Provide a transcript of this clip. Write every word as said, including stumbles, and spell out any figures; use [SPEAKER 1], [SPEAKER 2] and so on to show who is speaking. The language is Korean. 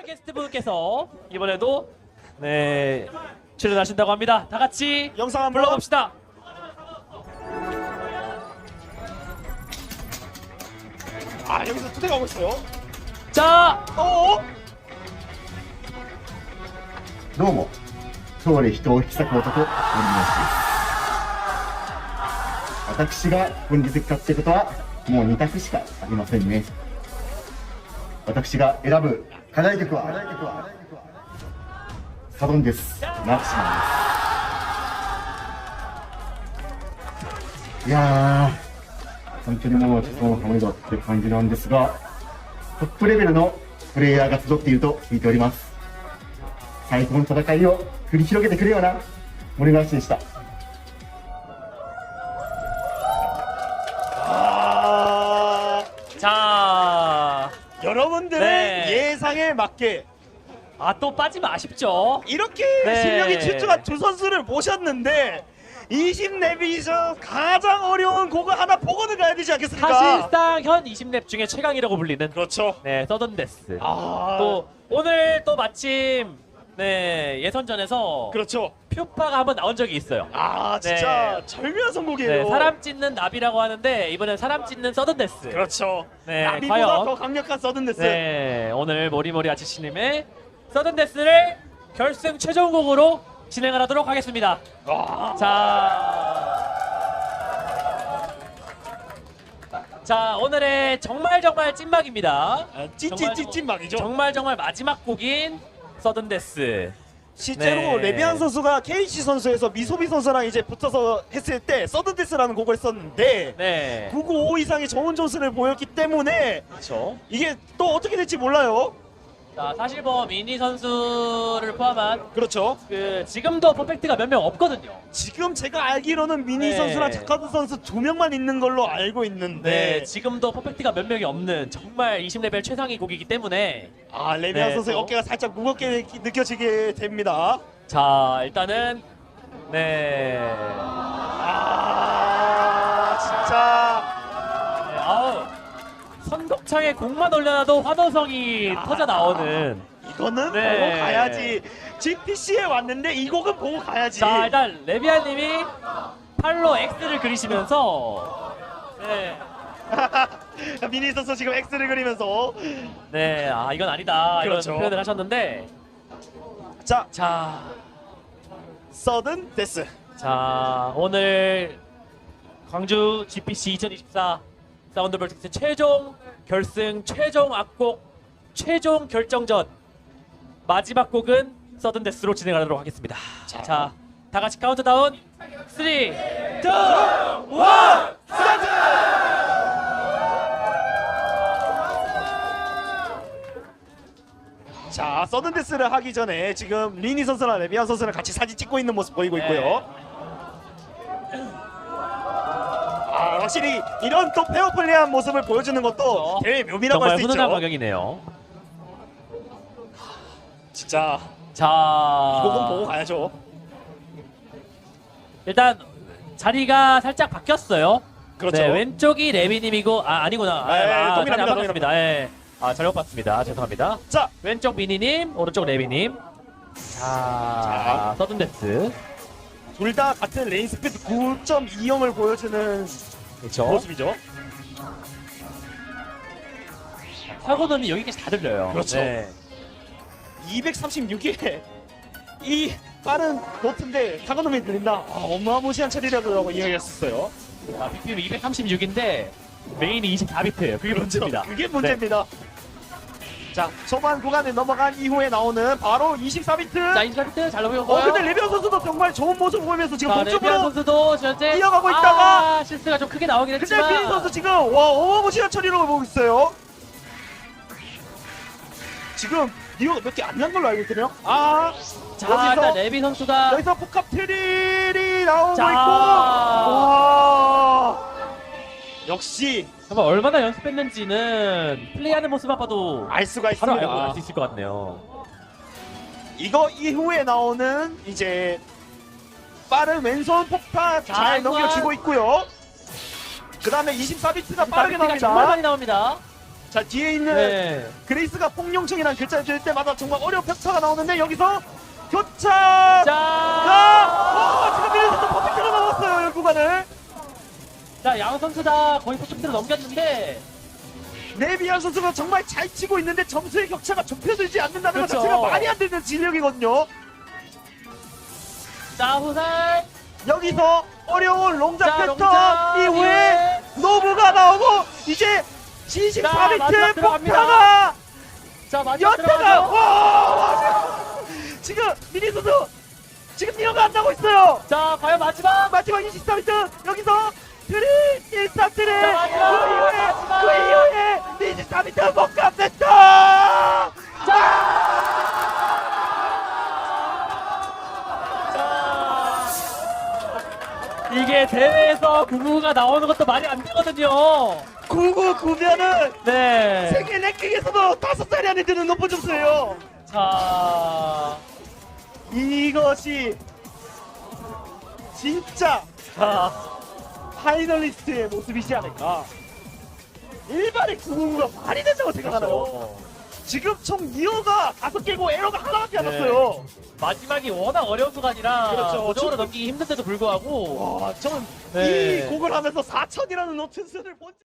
[SPEAKER 1] 게스트분께서 이번에도 네 출연하신다고 합니다. 다 같이
[SPEAKER 2] 영상 한번
[SPEAKER 1] 불러봅시다.
[SPEAKER 2] 아 여기서 투대가고 있어요.
[SPEAKER 1] 자,
[SPEAKER 2] 어?
[SPEAKER 3] どうも、通り人を引き裂く男、森林です。私が本日来たってことは、もうに択しかありませんね。私が選ぶ課題曲は、サドンです。マキシマンです。いやー、本当にもう、そのハムドって感じなんですが、トップレベルのプレイヤーが集っていると聞いております。最高の戦いを繰り広げてくれよな森林でした。
[SPEAKER 2] 아
[SPEAKER 1] 자,
[SPEAKER 2] 여러분들의
[SPEAKER 1] 네.
[SPEAKER 2] 예상에 맞게
[SPEAKER 1] 아 또 빠지면 아쉽죠.
[SPEAKER 2] 이렇게
[SPEAKER 1] 네.
[SPEAKER 2] 실력이 출중한 두 선수를 모셨는데 이십 랩이죠. 가장 어려운 곡을 하나 보고는 가야 되지 않겠습니까?
[SPEAKER 1] 사실상 현 이십 랩 중에 최강이라고 불리는
[SPEAKER 2] 그렇죠.
[SPEAKER 1] 네 서든데스.
[SPEAKER 2] 아
[SPEAKER 1] 또 오늘 또 마침 네 예선전에서
[SPEAKER 2] 그렇죠.
[SPEAKER 1] 퓨파가 한번 나온 적이 있어요.
[SPEAKER 2] 아 진짜
[SPEAKER 1] 네.
[SPEAKER 2] 절묘한 선곡이에요.
[SPEAKER 1] 네, 사람 찢는 나비라고 하는데 이번엔 사람 찢는 서든데스.
[SPEAKER 2] 그렇죠.
[SPEAKER 1] 네,
[SPEAKER 2] 나비보다
[SPEAKER 1] 과연
[SPEAKER 2] 더 강력한 서든데스.
[SPEAKER 1] 네, 오늘 모리모리 아치씨님의 서든데스를 결승 최종곡으로 진행을 하도록 하겠습니다.
[SPEAKER 2] 와.
[SPEAKER 1] 자, 자 오늘의 정말 정말 찐막입니다.
[SPEAKER 2] 아, 찐찐찐찐막이죠.
[SPEAKER 1] 정말 정말 마지막 곡인 서든데스.
[SPEAKER 2] 실제로
[SPEAKER 1] 네.
[SPEAKER 2] 레비안 선수가 케이씨 선수에서 미소비 선수랑 이제 붙어서 했을 때 서든데스라는 곡을 썼는데
[SPEAKER 1] 네,
[SPEAKER 2] 구백구십오 이상의 좋은 점수를 보였기 때문에
[SPEAKER 1] 그렇죠.
[SPEAKER 2] 이게 또 어떻게 될지 몰라요.
[SPEAKER 1] 자, 사실 뭐 미니 선수를 포함한
[SPEAKER 2] 그렇죠.
[SPEAKER 1] 그 지금도 퍼펙트가 몇 명 없거든요.
[SPEAKER 2] 지금 제가 알기로는 미니
[SPEAKER 1] 네.
[SPEAKER 2] 선수랑 자카드 선수 두 명만 있는 걸로 알고
[SPEAKER 1] 네,
[SPEAKER 2] 있는데
[SPEAKER 1] 지금도 퍼펙트가 몇 명이 없는 정말 이십 레벨 최상위 곡이기 때문에
[SPEAKER 2] 아 레비안
[SPEAKER 1] 네,
[SPEAKER 2] 선수의
[SPEAKER 1] 또.
[SPEAKER 2] 어깨가 살짝 무겁게 느끼- 느껴지게 됩니다.
[SPEAKER 1] 자 일단은 네,
[SPEAKER 2] 아 진짜
[SPEAKER 1] 네 아우 선곡창에 곡만 올려놔도 환호성이
[SPEAKER 2] 아.
[SPEAKER 1] 터져 나오는.
[SPEAKER 2] 이거는
[SPEAKER 1] 네.
[SPEAKER 2] 보고 가야지. 지피씨에 왔는데 이 곡은 보고 가야지.
[SPEAKER 1] 자 일단 레비아님이 팔로 X를 그리시면서 네,
[SPEAKER 2] 미니 선수 지금 X를 그리면서
[SPEAKER 1] 네, 아 이건 아니다
[SPEAKER 2] 그렇죠.
[SPEAKER 1] 이런 표현을 하셨는데
[SPEAKER 2] 자
[SPEAKER 1] 자,
[SPEAKER 2] 서든 데스.
[SPEAKER 1] 자 오늘 광주 지피씨 이천이십사 사운드 벌칙스 최종 결승 최종 악곡 최종 결정전 마지막 곡은 서든데스로 진행하도록 하겠습니다.
[SPEAKER 2] 자.
[SPEAKER 1] 자, 다 같이 카운트다운 삼, 이, 일,
[SPEAKER 2] 스타트! 자 서든 데스를 하기 전에 지금 리니 선수랑 레비안 선수랑 같이 사진 찍고 있는 모습 보이고 있고요. 아 확실히 이런 또 페어플레이한 모습을 보여주는 것도 대회 묘미라고 할
[SPEAKER 1] 정말
[SPEAKER 2] 수
[SPEAKER 1] 훈훈한
[SPEAKER 2] 있죠.
[SPEAKER 1] 광경이네요.
[SPEAKER 2] 진짜
[SPEAKER 1] 자,
[SPEAKER 2] 이 곡은 보고 가야죠.
[SPEAKER 1] 일단 자리가 살짝 바뀌었어요.
[SPEAKER 2] 그렇죠.
[SPEAKER 1] 네, 왼쪽이 레비님이고 아 아니구나.
[SPEAKER 2] 네,
[SPEAKER 1] 아,
[SPEAKER 2] 동일합니다,
[SPEAKER 1] 자리 안 바뀌었습니다. 예. 아 잘못 봤습니다. 죄송합니다.
[SPEAKER 2] 자
[SPEAKER 1] 왼쪽 미니님, 오른쪽 레비님. 자,
[SPEAKER 2] 자.
[SPEAKER 1] 서든데스.
[SPEAKER 2] 둘 다 같은 레인 스피드 구 점 이영을 보여주는
[SPEAKER 1] 그렇죠.
[SPEAKER 2] 모습이죠.
[SPEAKER 1] 사고는 여기까지 다 들려요.
[SPEAKER 2] 그렇죠.
[SPEAKER 1] 네.
[SPEAKER 2] 이백삼십육에 이 빠른 노트인데 타고놈이 들린다. 아, 어마무시한 처리라고 이야기했었어요.
[SPEAKER 1] 아, 빅빔 이백삼십육인데 메인이 이십사 비트예요. 그게 문제입니다.
[SPEAKER 2] 그게 문제입니다. 자 초반 구간을 넘어간 이후에 나오는 바로 이십사 비트.
[SPEAKER 1] 자, 이십사 비트 잘 넘어가고요.
[SPEAKER 2] 어 근데 레비안 선수도 정말 좋은 모습 보이면서 지금
[SPEAKER 1] 자, 레비안
[SPEAKER 2] 동쪽으로.
[SPEAKER 1] 선수도 현재
[SPEAKER 2] 이어가고 있다가
[SPEAKER 1] 아, 실수가 좀 크게 나오긴
[SPEAKER 2] 근데
[SPEAKER 1] 했지만
[SPEAKER 2] 피니 선수 지금 와 어마무시한 처리라고 보고 있어요. 지금 니어가 몇 개 안 난 걸로 알고 있거든요. 아
[SPEAKER 1] 자,
[SPEAKER 2] 여기서-
[SPEAKER 1] 일단 레비 선수가
[SPEAKER 2] 여기서 복합 트릴이 나오고
[SPEAKER 1] 자.
[SPEAKER 2] 있고 와 역시
[SPEAKER 1] 정말 얼마나 연습했는지는 플레이하는 모습만 봐도
[SPEAKER 2] 알 수가
[SPEAKER 1] 바로
[SPEAKER 2] 있습니다.
[SPEAKER 1] 알고 알 수 있을 것 같네요.
[SPEAKER 2] 이거 이후에 나오는 이제 빠른 왼손 폭탄
[SPEAKER 1] 자,
[SPEAKER 2] 잘
[SPEAKER 1] 이거
[SPEAKER 2] 넘겨주고 있고요. 그 다음에 이십사 비트가 빠르게
[SPEAKER 1] 비트가 정말
[SPEAKER 2] 나옵니다.
[SPEAKER 1] 많이 나옵니다.
[SPEAKER 2] 자 뒤에 있는
[SPEAKER 1] 네.
[SPEAKER 2] 그레이스가 폭룡충이라는 글자를 줄 때마다 정말 어려운 격차가 나오는데 여기서 교차가
[SPEAKER 1] 자,
[SPEAKER 2] 어, 지금 미래에서 퍼펙트로 넘었어요 이 구간을.
[SPEAKER 1] 자, 양 선수 다 거의 퍼펙트로 넘겼는데
[SPEAKER 2] 네비안 선수가 정말 잘 치고 있는데 점수의 격차가 좁혀들지 않는다는 것
[SPEAKER 1] 그렇죠.
[SPEAKER 2] 자체가 말이 안 되는 진력이거든요.
[SPEAKER 1] 자, 후살.
[SPEAKER 2] 여기서 어려운 롱작
[SPEAKER 1] 자,
[SPEAKER 2] 패턴
[SPEAKER 1] 롱작
[SPEAKER 2] 이후에
[SPEAKER 1] 이후에
[SPEAKER 2] 노브가 나오고 이제 칠십사
[SPEAKER 1] 자,
[SPEAKER 2] 비트
[SPEAKER 1] 마지막 들어갑니다.
[SPEAKER 2] 폭타가
[SPEAKER 1] 자, 마지막
[SPEAKER 2] 연타가
[SPEAKER 1] 들어가죠.
[SPEAKER 2] 와 지금 미니 선수 지금 니어가 안 나고 있어요.
[SPEAKER 1] 자, 과연 마지막.
[SPEAKER 2] 마지막 이십사 비트 여기서 트리 일삼 트리 그
[SPEAKER 1] 자, 마지막,
[SPEAKER 2] 이후에
[SPEAKER 1] 마지막.
[SPEAKER 2] 그 이후에 이십사 비트 못 갚았다.
[SPEAKER 1] 자, 이게 대회에서 구구가 나오는 것도 말이 안 되거든요.
[SPEAKER 2] 구구구면은
[SPEAKER 1] 네.
[SPEAKER 2] 세계 랭킹에서도 다섯 자리 안에 드는 높은 점수예요.
[SPEAKER 1] 자,
[SPEAKER 2] 이것이 진짜
[SPEAKER 1] 자,
[SPEAKER 2] 파이널리스트의 모습이지 않을까. 일반의 구구구가 말이 된다고 생각하나요? 지금 총 니어가 다섯 개고 에러가 하나밖에 안
[SPEAKER 1] 네.
[SPEAKER 2] 났어요.
[SPEAKER 1] 마지막이 워낙 어려운 구간이라
[SPEAKER 2] 그렇죠.
[SPEAKER 1] 고정으로
[SPEAKER 2] 저-
[SPEAKER 1] 넘기기 힘든데도 불구하고
[SPEAKER 2] 와, 저는
[SPEAKER 1] 네.
[SPEAKER 2] 이 곡을 하면서 사천이라는 노트스를 본